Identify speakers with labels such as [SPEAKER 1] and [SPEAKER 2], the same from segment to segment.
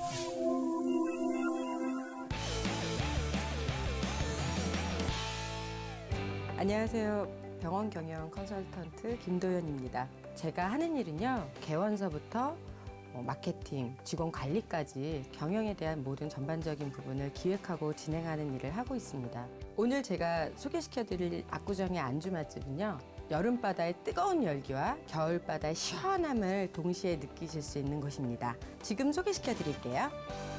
[SPEAKER 1] 안녕하세요. 병원 경영 컨설턴트 김도연입니다. 제가 하는 일은요, 개원서부터 마케팅, 직원 관리까지 경영에 대한 모든 전반적인 부분을 기획하고 진행하는 일을 하고 있습니다. 오늘 제가 소개시켜드릴 압구정의 안주 맛집은요, 여름바다의 뜨거운 열기와 겨울바다의 시원함을 동시에 느끼실 수 있는 곳입니다. 지금 소개시켜드릴게요.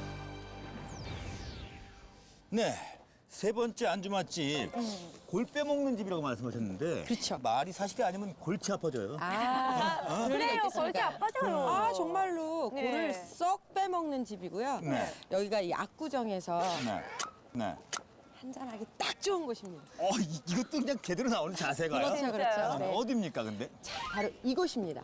[SPEAKER 2] 네, 세 번째 안주 맛집 골 빼먹는 집이라고 말씀하셨는데
[SPEAKER 1] 그렇죠.
[SPEAKER 2] 말이 사실이 아니면 골치 아파져요.
[SPEAKER 3] 그래요, 골치 아파져요.
[SPEAKER 1] 아, 정말로
[SPEAKER 3] 네.
[SPEAKER 1] 골을 쏙 빼먹는 집이고요.
[SPEAKER 2] 네.
[SPEAKER 1] 여기가 이 압구정에서
[SPEAKER 2] 네, 네.
[SPEAKER 1] 한잔하기 딱 좋은 곳입니다.
[SPEAKER 2] 이것도 그냥 제대로 나오는 자세가요?
[SPEAKER 1] 그렇죠, 그렇죠.
[SPEAKER 2] 아,
[SPEAKER 1] 네.
[SPEAKER 2] 어디입니까, 근데?
[SPEAKER 1] 바로 이곳입니다.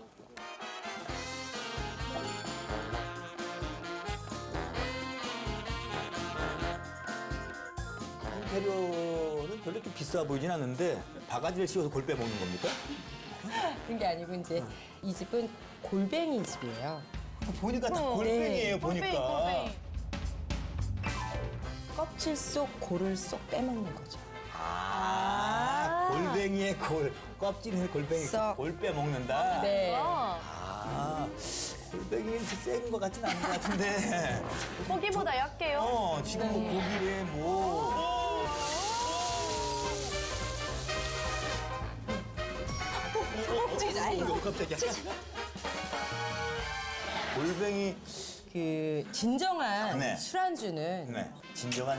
[SPEAKER 2] 인테리어는 별로 이렇게 비싸 보이진 않는데 바가지를 씌워서 골 빼먹는 겁니까?
[SPEAKER 1] 그런 게 아니고 이제 이 집은 골뱅이 집이에요.
[SPEAKER 2] 보니까 다 골뱅이에요, 보니까.
[SPEAKER 3] 골뱅이.
[SPEAKER 1] 껍질 속 골을 쏙 빼먹는 거죠.
[SPEAKER 2] 골뱅이의 골, 껍질의 골뱅이,
[SPEAKER 1] 썩.
[SPEAKER 2] 골 빼먹는다?
[SPEAKER 1] 네.
[SPEAKER 2] 골뱅이는 센 것 같진 않은 것 같은데.
[SPEAKER 3] 고기보다 약해요.
[SPEAKER 2] 지금 뭐 고기에 뭐. 깜짝이야. 골뱅이.
[SPEAKER 1] 그 진정한
[SPEAKER 2] 네.
[SPEAKER 1] 술안주는
[SPEAKER 2] 네. 진정한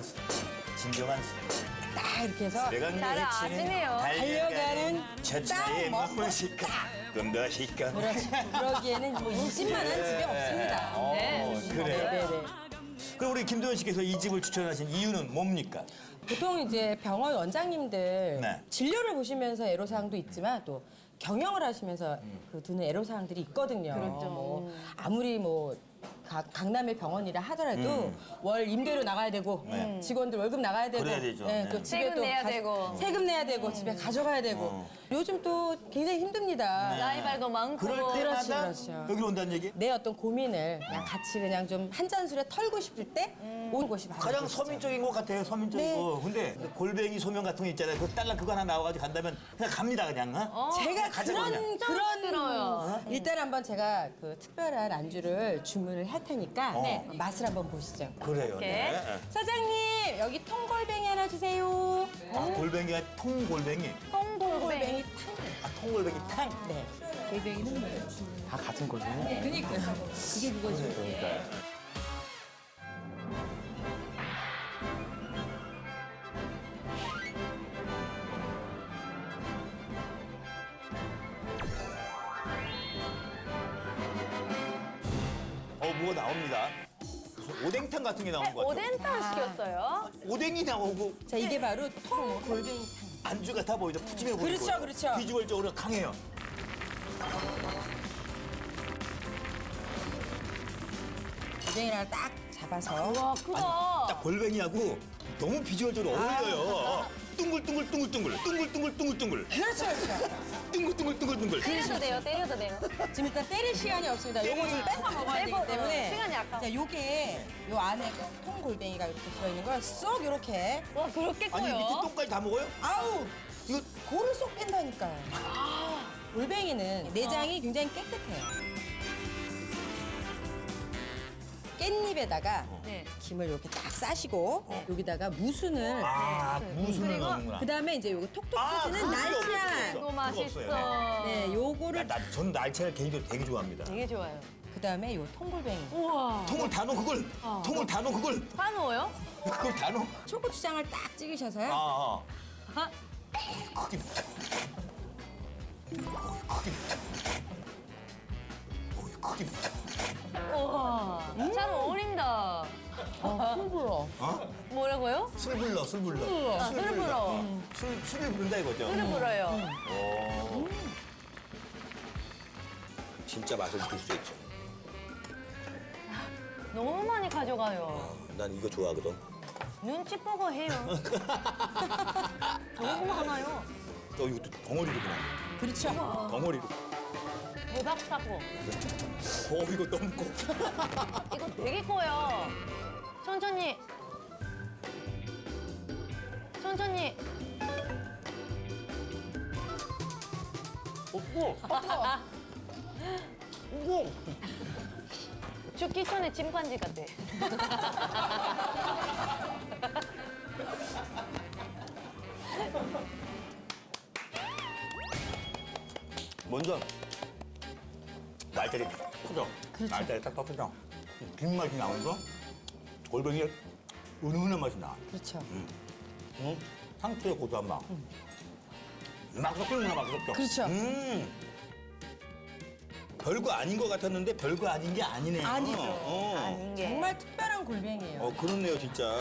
[SPEAKER 1] 딱 이렇게 해서
[SPEAKER 3] 잘 아시네요.
[SPEAKER 1] 달려가는
[SPEAKER 2] 저
[SPEAKER 1] 딱
[SPEAKER 2] 차에
[SPEAKER 1] 먹고
[SPEAKER 2] 먹고 시까 좀더 시까.
[SPEAKER 1] 그러기에는 뭐 이 집만한 집이 없습니다.
[SPEAKER 3] 네.
[SPEAKER 2] 그래요.
[SPEAKER 1] 네네.
[SPEAKER 2] 그럼 우리 김도현 씨께서 이 집을 추천하신 이유는 뭡니까?
[SPEAKER 1] 보통 이제 병원 원장님들
[SPEAKER 2] 네.
[SPEAKER 1] 진료를 보시면서 애로사항도 있지만 또 경영을 하시면서 그 드는 애로사항들이 있거든요.
[SPEAKER 3] 그렇죠.
[SPEAKER 1] 뭐 아무리 뭐 강남의 병원이라 하더라도 월 임대료 나가야 되고
[SPEAKER 2] 네.
[SPEAKER 1] 직원들 월급 나가야 되고
[SPEAKER 2] 그래야 되죠.
[SPEAKER 1] 네,
[SPEAKER 2] 네.
[SPEAKER 1] 또 집에
[SPEAKER 3] 세금
[SPEAKER 1] 또
[SPEAKER 3] 내야 되고.
[SPEAKER 1] 세금 내야 되고 집에 가져가야 되고 요즘 또 굉장히 힘듭니다.
[SPEAKER 3] 라이벌도 많고.
[SPEAKER 2] 그럴
[SPEAKER 1] 그렇죠,
[SPEAKER 2] 때마다
[SPEAKER 1] 그렇죠.
[SPEAKER 2] 여기로 온다는 얘기?
[SPEAKER 1] 내 어떤 고민을 그냥 같이 그냥 좀 한 잔술에 털고 싶을 때 오는 곳이 바로
[SPEAKER 2] 가장
[SPEAKER 1] 이곳이죠.
[SPEAKER 2] 서민적인 것 같아요, 서민적이고. 근데 골뱅이 소면 같은 거 있잖아요. 그 딸랑 그거 하나 나와가지고 간다면 그냥 갑니다, 그냥.
[SPEAKER 1] 제가
[SPEAKER 2] 가져가냐.
[SPEAKER 1] 그런
[SPEAKER 3] 들어요.
[SPEAKER 1] 일단 한번 제가 그 특별한 안주를 주문을 할 테니까 네, 맛을 한번 보시죠.
[SPEAKER 2] 그래요.
[SPEAKER 3] 이렇게.
[SPEAKER 2] 네.
[SPEAKER 1] 사장님 여기 통골뱅이 하나 주세요.
[SPEAKER 2] 골뱅이가 통골뱅이.
[SPEAKER 3] 통골뱅이.
[SPEAKER 2] 통골뱅이 탕.
[SPEAKER 1] 네.
[SPEAKER 4] 다 같은 거잖아요.
[SPEAKER 1] 그러니까 이게 그거죠.
[SPEAKER 2] 뭐가 나옵니다. 무슨 오뎅탕 같은 게 나온 것 같아요.
[SPEAKER 3] 오뎅탕 시켰어요.
[SPEAKER 2] 오뎅이 나오고
[SPEAKER 1] 자 이게 바로 통골뱅이 탕.
[SPEAKER 2] 안주가 다 보이죠. 푸짐해 보이고.
[SPEAKER 1] 그렇죠, 그렇죠.
[SPEAKER 2] 비주얼적으로 강해요.
[SPEAKER 1] 골뱅이랑 딱 잡아서
[SPEAKER 3] 와, 크다.
[SPEAKER 2] 딱 골뱅이하고 너무 비주얼적으로 어울려요. 둥글둥글둥글둥글, 둥글둥글둥글둥글,
[SPEAKER 1] 그렇죠, 그렇죠.
[SPEAKER 2] 둥글둥글둥글둥글.
[SPEAKER 3] 때려도 돼요, 때려도 돼요.
[SPEAKER 1] 지금 일단 때릴 시간이 없습니다. 요거 좀 뺏어 먹어야 되기
[SPEAKER 3] 빼고,
[SPEAKER 1] 때문에
[SPEAKER 3] 시간이 아까워.
[SPEAKER 1] 자 요게 요 안에 통골뱅이가 이렇게 들어있는 걸 쏙 이렇게
[SPEAKER 3] 와, 그렇게
[SPEAKER 2] 아니 밑에
[SPEAKER 3] 커요?
[SPEAKER 2] 똥까지 다 먹어요?
[SPEAKER 1] 아우
[SPEAKER 2] 이거
[SPEAKER 1] 골을 쏙 뺀다니까요. 골뱅이는 내장이 굉장히 깨끗해요. 깻잎에다가
[SPEAKER 3] 네.
[SPEAKER 1] 김을 이렇게 딱 싸시고 여기다가 무순을
[SPEAKER 2] 무순을
[SPEAKER 3] 그리고
[SPEAKER 2] 넣는구나.
[SPEAKER 1] 그다음에 이제 요거 톡톡 터지는
[SPEAKER 2] 그거
[SPEAKER 1] 날짜.
[SPEAKER 2] 없어요.
[SPEAKER 3] 이거
[SPEAKER 2] 그거
[SPEAKER 3] 맛있어.
[SPEAKER 2] 없어요.
[SPEAKER 1] 네, 요거를
[SPEAKER 2] 전 날치알 개인적으로 되게 좋아합니다.
[SPEAKER 3] 되게 좋아요.
[SPEAKER 1] 그다음에 요 통골뱅이.
[SPEAKER 3] 우와.
[SPEAKER 2] 통을 다 넣어 그걸. 통을 다 넣어 그걸.
[SPEAKER 3] 다 넣어요?
[SPEAKER 2] 그걸 다 넣어.
[SPEAKER 1] 초고추장을 딱 찍으셔서요.
[SPEAKER 2] 아.
[SPEAKER 3] 아,
[SPEAKER 2] 크게. 크게. 크게.
[SPEAKER 3] 우와. 잘 어울린다.
[SPEAKER 1] 불어.
[SPEAKER 3] 뭐라고요?
[SPEAKER 2] 술 불러.
[SPEAKER 3] 술을 불어.
[SPEAKER 2] 술을 부른다 이거죠.
[SPEAKER 3] 술을 불어요.
[SPEAKER 2] 진짜 맛을 느낄 수 있죠.
[SPEAKER 3] 너무 많이 가져가요.
[SPEAKER 2] 난 이거 좋아하거든.
[SPEAKER 3] 눈치 보고 해요. 너무 많아요.
[SPEAKER 2] 이것도 덩어리로구나.
[SPEAKER 1] 그렇죠.
[SPEAKER 2] 덩어리로.
[SPEAKER 3] 대박 사고.
[SPEAKER 2] 이거 너무 커.
[SPEAKER 3] 이거 되게 커요. 천천히. 천천히. 죽기 전에 침판지 같아.
[SPEAKER 2] 먼저 날짜리 크죠?
[SPEAKER 1] 그렇죠.
[SPEAKER 2] 날짜리 딱딱 크죠? 김 맛이 나면서 골뱅이의 은은한 맛이 나.
[SPEAKER 1] 그렇죠.
[SPEAKER 2] 상추의 고소한 맛. 막 섞이는구나, 막 섞여.
[SPEAKER 1] 그렇죠.
[SPEAKER 2] 별거 아닌 것 같았는데 별거 아닌 게 아니네요.
[SPEAKER 1] 아니죠.
[SPEAKER 3] 아닌 게.
[SPEAKER 1] 정말 특별한 골뱅이에요.
[SPEAKER 2] 그렇네요, 진짜.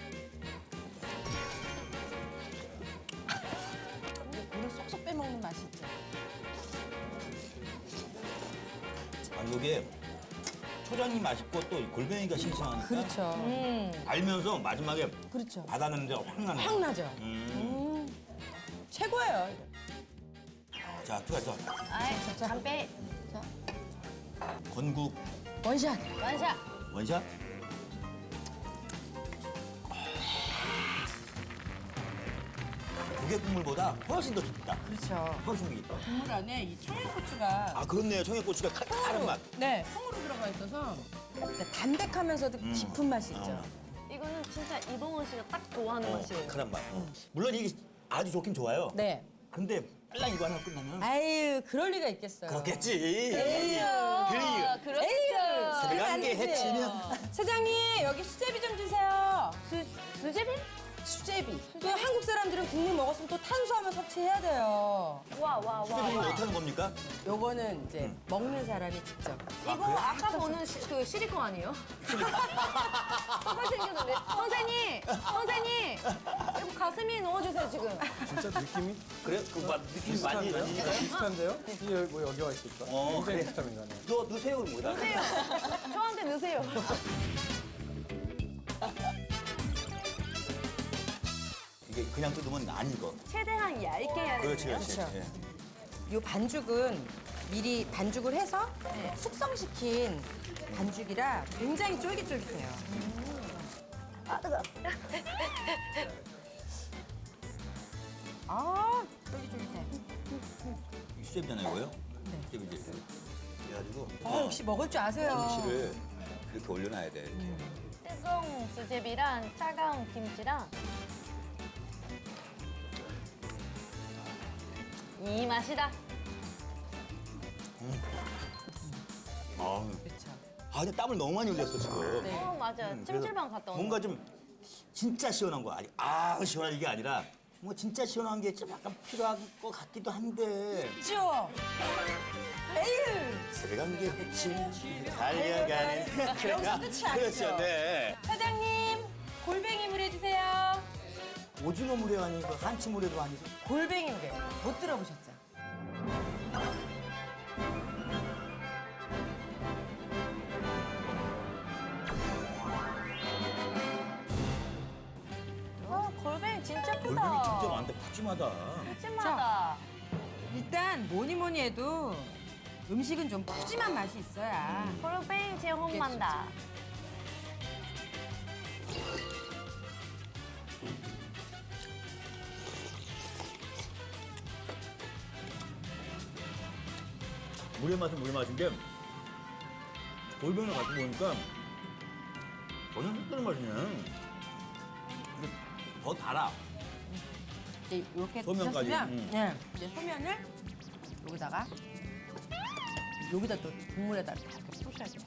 [SPEAKER 1] 물을 쏙쏙 빼먹는 맛이 있죠.
[SPEAKER 2] 아니, 이게 초장이 맛있고 또 골뱅이가 싱싱하니까.
[SPEAKER 1] 그렇죠.
[SPEAKER 2] 알면서 마지막에
[SPEAKER 1] 그렇죠.
[SPEAKER 2] 바다 냄새가 확 나네요.
[SPEAKER 1] 확 나죠. 최고예요.
[SPEAKER 2] 자, 들어가죠.
[SPEAKER 3] 아이, 담배.
[SPEAKER 2] 건국
[SPEAKER 1] 원샷.
[SPEAKER 3] 완샷.
[SPEAKER 2] 원샷. 조개 국물보다 훨씬 더 깊다.
[SPEAKER 1] 그렇죠.
[SPEAKER 2] 훨씬 더 깊다.
[SPEAKER 1] 국물 안에 이 청양고추가
[SPEAKER 2] 아, 그렇네요. 청양고추가 칼칼한 맛.
[SPEAKER 1] 네, 통으로 들어가 있어서 담백하면서도 깊은 맛이 있죠.
[SPEAKER 3] 이거는 진짜 이봉원 씨가 딱 좋아하는 맛이에요.
[SPEAKER 2] 칼칼한 맛. 물론 이게 아주 좋긴 좋아요.
[SPEAKER 1] 네.
[SPEAKER 2] 근데 빨랑 이거 하나 끝나면
[SPEAKER 1] 아유, 그럴 리가 있겠어요.
[SPEAKER 2] 그렇겠지.
[SPEAKER 1] 에휴.
[SPEAKER 3] 그렇죠.
[SPEAKER 2] 새벽 한개
[SPEAKER 1] 되지.
[SPEAKER 2] 해치면.
[SPEAKER 1] 사장님, 여기 수제비 좀 주세요.
[SPEAKER 3] 수제비?
[SPEAKER 1] 수제비. 또 한국 사람들은 국물 먹었으면 또 탄수화물 섭취해야 돼요.
[SPEAKER 3] 와.
[SPEAKER 2] 수제비는 어떻게 하는 겁니까?
[SPEAKER 1] 요거는 이제 먹는 사람이 직접.
[SPEAKER 3] 이거 아까 보는 그 시리콘 아니에요? 똑같이 생겼는데. 선생님! 이거 가슴에 넣어주세요, 지금.
[SPEAKER 4] 진짜 느낌이
[SPEAKER 2] 그래? 그 맛, 느낌 많이 나니까.
[SPEAKER 4] 비슷한데요? 이게 뭐 여기 와 있을까? 굉장히
[SPEAKER 2] 그래.
[SPEAKER 4] 비슷한 인간이에요.
[SPEAKER 2] 너 넣으세요, 뭐다.
[SPEAKER 3] 넣으세요. 저한테 넣으세요.
[SPEAKER 2] 이게 그냥 뜯으면 안 익어.
[SPEAKER 3] 최대한 얇게 해야 돼요.
[SPEAKER 2] 그렇지.
[SPEAKER 1] 그렇죠.
[SPEAKER 2] 예.
[SPEAKER 1] 요 반죽은 미리 반죽을 해서
[SPEAKER 3] 네.
[SPEAKER 1] 숙성시킨 반죽이라 굉장히 쫄깃쫄깃해요.
[SPEAKER 3] 아, 뜨거.
[SPEAKER 1] 아, 쫄깃쫄깃해.
[SPEAKER 2] 이 수제비잖아요, 이거요? 네. 수제비지. 그래가지고
[SPEAKER 1] 역시 먹을 줄 아세요.
[SPEAKER 2] 김치를 이렇게 올려놔야 돼. 이렇게.
[SPEAKER 3] 뜨거운 수제비랑 차가운 김치랑 이 맛이다.
[SPEAKER 1] 그렇죠.
[SPEAKER 2] 근데 땀을 너무 많이 흘렸어, 지금.
[SPEAKER 1] 네.
[SPEAKER 3] 맞아요.
[SPEAKER 2] 그래서
[SPEAKER 3] 찜질방 갔다 오는
[SPEAKER 2] 뭔가 좀 진짜 시원한 거 아니? 시원한 이게 아니라 뭔가 진짜 시원한 게 좀 약간 필요할 것 같기도 한데.
[SPEAKER 1] 그렇죠. 에휴.
[SPEAKER 2] 새벽 한개 해치 달려가는
[SPEAKER 1] 여기서 끝이 아니죠.
[SPEAKER 2] 그렇죠, 네.
[SPEAKER 1] 사장님, 골뱅이 물 해주세요.
[SPEAKER 2] 오징어 물회 아니고 한치 물회도 아니고.
[SPEAKER 1] 골뱅이 물에 못 들어보셨죠?
[SPEAKER 3] 골뱅이 진짜 크다.
[SPEAKER 2] 골뱅이 진짜 많다, 푸짐하다.
[SPEAKER 3] 푸짐하다.
[SPEAKER 1] 일단 뭐니 해도 음식은 좀 푸짐한 맛이 있어야.
[SPEAKER 3] 골뱅이 제홍만다.
[SPEAKER 2] 물의 맛은 물의 맛인데 골뱅이를 같이 먹으니까 전혀 색다른 맛이네. 근데 더 달아.
[SPEAKER 1] 이제 이렇게
[SPEAKER 2] 소면까지,
[SPEAKER 1] 드셨으면 네, 이제 소면을 여기다가 여기다 또 국물에다 이렇게 푸셔야 돼요.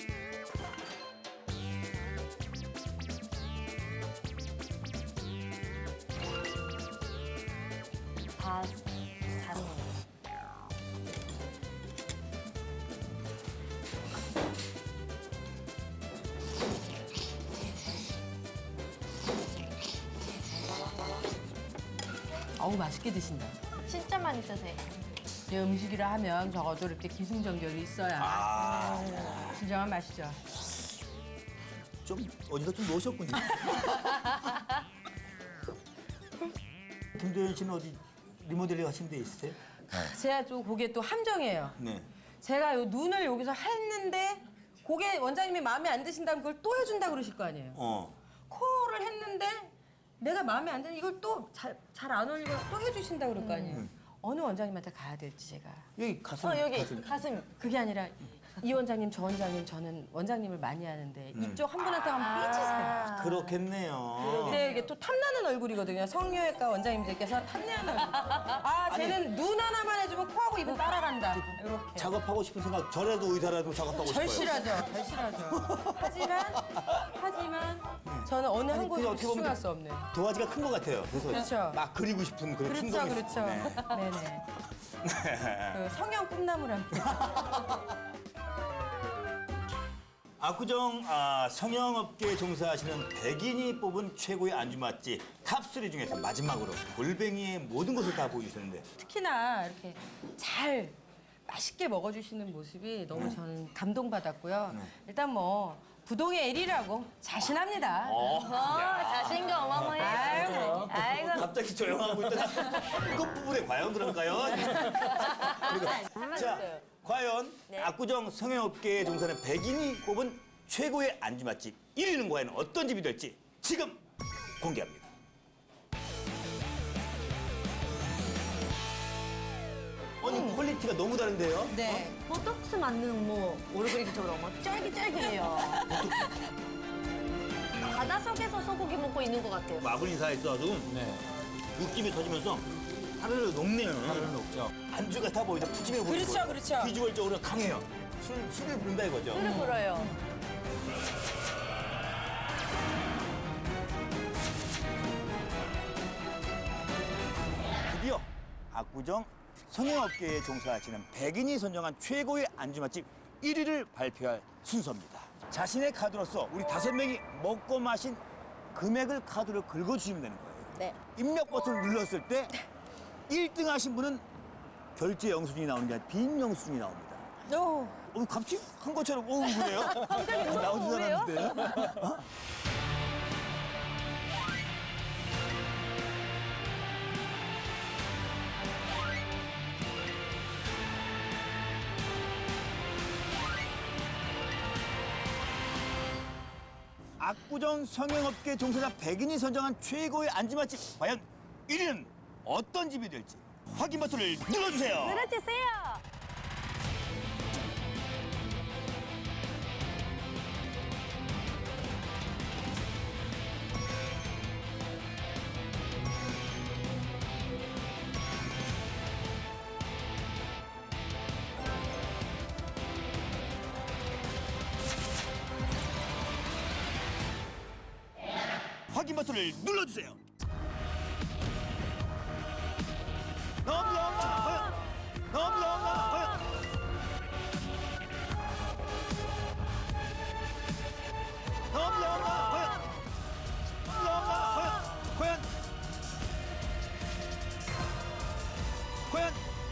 [SPEAKER 3] 다른 거.
[SPEAKER 1] 어우 맛있게 드신다.
[SPEAKER 3] 진짜 많이 드세요.
[SPEAKER 1] 이 음식이라 하면 적어도 이렇게 기승전결이 있어야 진정한 맛이죠.
[SPEAKER 2] 좀 어디서 좀 놓으셨군요. 김도현 씨는 어디 리모델링 하신 데 있으세요?
[SPEAKER 1] 제가 또 그게 또 함정이에요.
[SPEAKER 2] 네.
[SPEAKER 1] 제가 요 눈을 여기서 했는데 그게 원장님이 마음에 안 드신다면 그걸 또 해준다 그러실 거 아니에요. 코를 했는데 내가 마음에 안 드는 이걸 또 잘 안 어울리고 또 해주신다 그럴 거 아니에요. 어느 원장님한테 가야 될지 제가.
[SPEAKER 2] 여기 가슴.
[SPEAKER 3] 여기 가슴.
[SPEAKER 1] 그게 아니라 이 원장님, 저 원장님, 저는 원장님을 많이 하는데 이쪽 한 분한테 한번 삐지세요.
[SPEAKER 2] 그렇겠네요.
[SPEAKER 1] 근데 이게 또 탐나는 얼굴이거든요. 성형외과 원장님들께서 탐내는 얼굴. 아, 쟤는 눈 하나만 해주면 코하고 입은 따라간다. 이렇게.
[SPEAKER 2] 작업하고 싶은 생각, 저라도 의사라도 작업하고 싶어요.
[SPEAKER 1] 절실하죠. 절실하죠. 하지만 저는 어느 한
[SPEAKER 2] 아니,
[SPEAKER 1] 곳에
[SPEAKER 2] 그게 어떻게 보면
[SPEAKER 1] 집중할 수 없는.
[SPEAKER 2] 도화지가 큰 것 같아요. 그래서
[SPEAKER 1] 그렇죠.
[SPEAKER 2] 막 그리고 싶은 그런
[SPEAKER 1] 그렇죠,
[SPEAKER 2] 충동이
[SPEAKER 1] 그렇죠.
[SPEAKER 2] 있어요. 네.
[SPEAKER 1] 네네. 그 성형 꿈나무랑.
[SPEAKER 2] 압구정 성형업계에 종사하시는 백인이 뽑은 최고의 안주 맛집 탑3 중에서 마지막으로 골뱅이의 모든 것을 다 보여주셨는데
[SPEAKER 1] 특히나 이렇게 잘 맛있게 먹어주시는 모습이 너무 저는 감동받았고요. 일단 뭐 부동의 1위라고 자신합니다.
[SPEAKER 3] 자신감 어마어마해요. 아이고.
[SPEAKER 2] 갑자기 조용하고 있다가 끝부분에 과연 그런가요? 그리고 자, 과연 압구정 성형업계에 종사하는 백인이 뽑은 최고의 안주 맛집 1위는 과연 어떤 집이 될지 지금 공개합니다. 아니 퀄리티가 너무 다른데요?
[SPEAKER 1] 네.
[SPEAKER 3] 보톡스 맞는 뭐 얼굴이처럼 막 쫄깃쫄깃해요. 바닷속에서 소고기 먹고 있는 것 같아요.
[SPEAKER 2] 마블 사이즈 아주
[SPEAKER 4] 네.
[SPEAKER 2] 육즙이 터지면서 사르르 녹네요.
[SPEAKER 4] 다른 녹죠.
[SPEAKER 2] 안주가 다 보이죠. 푸짐해 보이고.
[SPEAKER 1] 그렇죠, 그렇죠.
[SPEAKER 2] 비주얼적으로 강해요. 술을 부른다 이거죠.
[SPEAKER 3] 술을 불어요.
[SPEAKER 2] 드디어 압구정 성형업계에 종사하시는 백인이 선정한 최고의 안주 맛집 1위를 발표할 순서입니다. 자신의 카드로서 우리 5명이 먹고 마신 금액을 카드로 긁어주시면 되는 거예요.
[SPEAKER 3] 네.
[SPEAKER 2] 입력 버튼을 눌렀을 때 1등 하신 분은 결제 영수증이 나오는 게 아니라 빈 영수증이 나옵니다.
[SPEAKER 1] 오.
[SPEAKER 2] 갑자기 한 것처럼 그래요? 나오지
[SPEAKER 3] 왜요?
[SPEAKER 2] 않았는데. 압구정 성형업계 종사자 백인이 선정한 최고의 안주 맛집 과연 1위는 어떤 집이 될지 확인 버튼을 눌러주세요.
[SPEAKER 3] 눌러주세요.
[SPEAKER 2] 확인 버튼을 눌러주세요. 넘넘넘 과연 넘넘넘 과연 넘넘넘 과연 넘넘넘 과연 과연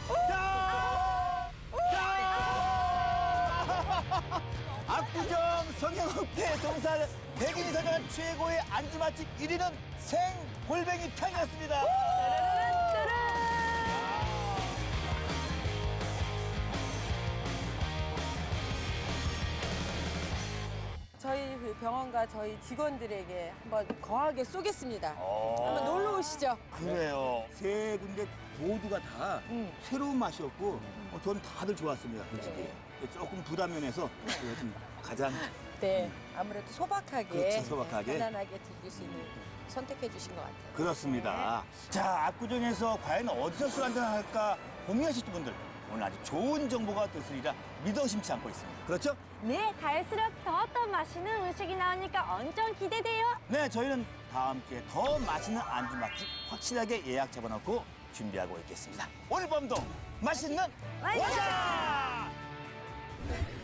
[SPEAKER 2] 압구정 성형업계 종사하는 백인이 선정한 최고의 안주 맛집 1위는 생골뱅이 탕이었습니다.
[SPEAKER 1] 저희 그 병원과 저희 직원들에게 한번 거하게 쏘겠습니다. 한번 놀러 오시죠.
[SPEAKER 2] 그래요. 세 군데 모두가 다 새로운 맛이었고 전 다들 좋았습니다. 솔직히 조금 부담면에서 좀 가장
[SPEAKER 1] 네, 아무래도 소박하게,
[SPEAKER 2] 그렇죠, 소박하게.
[SPEAKER 1] 편안하게 즐길 수 있는 선택해 주신 것 같아요.
[SPEAKER 2] 그렇습니다. 자, 압구정에서 과연 어디서 술 한잔 할까 고민하실 분들 오늘 아주 좋은 정보가 됐으리라 믿어 심지 않고 있습니다. 그렇죠?
[SPEAKER 3] 네, 갈수록 더 맛있는 음식이 나오니까 엄청 기대돼요.
[SPEAKER 2] 네, 저희는 다음 주에 더 맛있는 안주 맛집 확실하게 예약 잡아놓고 준비하고 있겠습니다. 오늘 밤도 맛있는
[SPEAKER 3] 맛있는
[SPEAKER 2] 원샷!